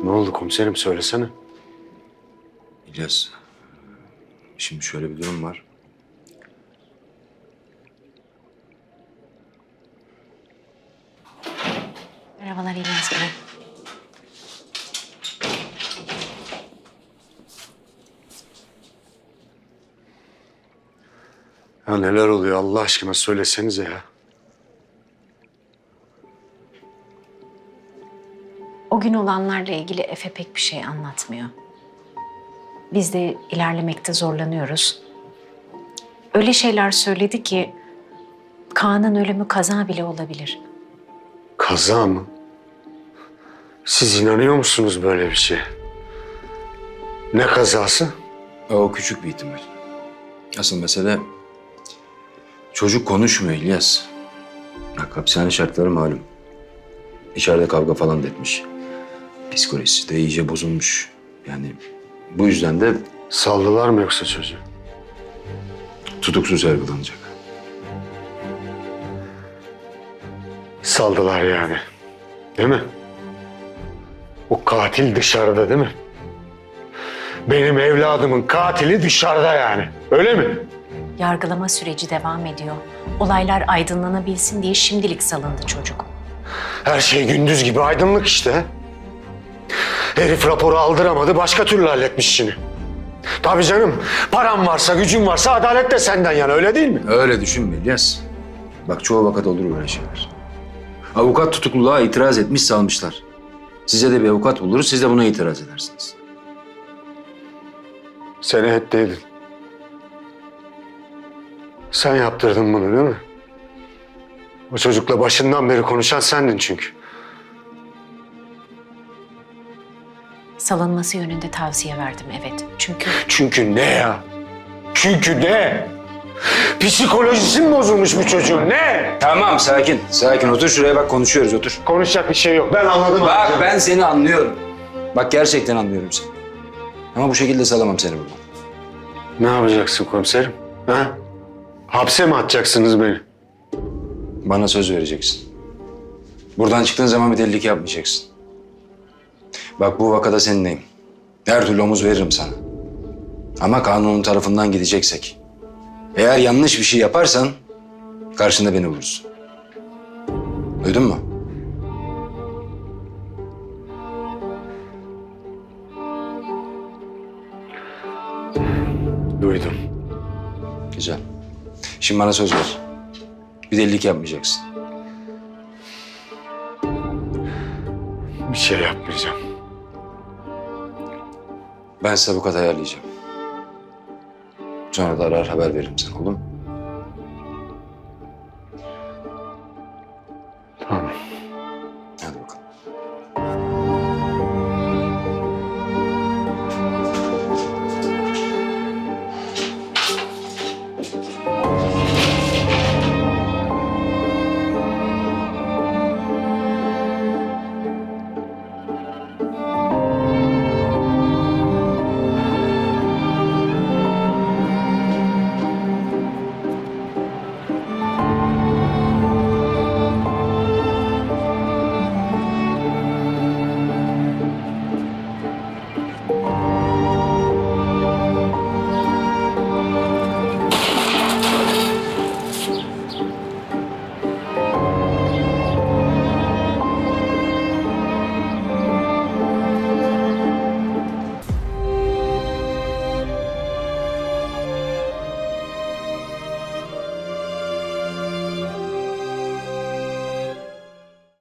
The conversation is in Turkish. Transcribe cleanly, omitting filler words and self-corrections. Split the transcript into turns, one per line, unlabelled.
Ne oldu komiserim, söylesene.
İlyas, şimdi şöyle bir durum var.
Merhabalar İlyas Bey.
Ya neler oluyor Allah aşkına, söylesenize ya.
O gün olanlarla ilgili Efe pek bir şey anlatmıyor. Biz de ilerlemekte zorlanıyoruz. Öyle şeyler söyledi ki Kaan'ın ölümü kaza bile olabilir.
Kaza mı? Siz inanıyor musunuz böyle bir şeye? Ne kazası?
O küçük bir ihtimal. Asıl mesele çocuk konuşmuyor İlyas. Bak, hapishane şartları malum. İçeride kavga falan da etmiş. Psikolojisi de iyice bozulmuş. Yani bu yüzden de
Saldılar mı yoksa çocuğu?
tutuksuz yargılanacak.
Saldılar yani. Değil mi? O katil dışarıda değil mi? Benim evladımın katili dışarıda yani. Öyle mi?
Yargılama süreci devam ediyor. Olaylar aydınlanabilsin diye şimdilik salındı çocuk.
Her şey gündüz gibi aydınlık işte. Herif raporu aldıramadı, başka türlü halletmiş işini. Tabii canım, param varsa, gücün varsa adalet de senden yana, öyle değil mi?
Öyle düşünme İlyas. Bak, çoğu vakit olur böyle şeyler. Avukat tutukluluğa itiraz etmiş, salmışlar. Size de bir avukat buluruz, siz de buna itiraz edersiniz.
Sen ettiydin. Sen yaptırdın bunu değil mi? O çocukla başından beri konuşan sendin çünkü.
Salınması yönünde tavsiye verdim, evet.
Çünkü ne ya? Çünkü ne? Psikolojisi mi bozulmuş bu çocuğun, ne?
Tamam, sakin. Sakin, otur şuraya, bak konuşuyoruz, otur.
Konuşacak bir şey yok, ben anladım.
Bak,
abi.
ben seni anlıyorum. Bak, gerçekten anlıyorum seni. Ama bu şekilde salamam seni buradan.
Ne yapacaksın komiserim? Ha? Hapse mi atacaksınız beni?
Bana söz vereceksin. Buradan çıktığın zaman bir delilik yapmayacaksın. Bak, bu vakada seninleyim. Her türlü omuz veririm sana. Ama kanunun tarafından gideceksek. Eğer yanlış bir şey yaparsan karşında beni bulursun. Duydun mu?
Duydum.
Güzel. Şimdi bana söz ver. Bir delilik yapmayacaksın.
Bir şey yapmayacağım.
Ben size avukat ayarlayacağım. Sonra da arar haber veririm sana, olur mu?
Tamam.
Hadi bakalım.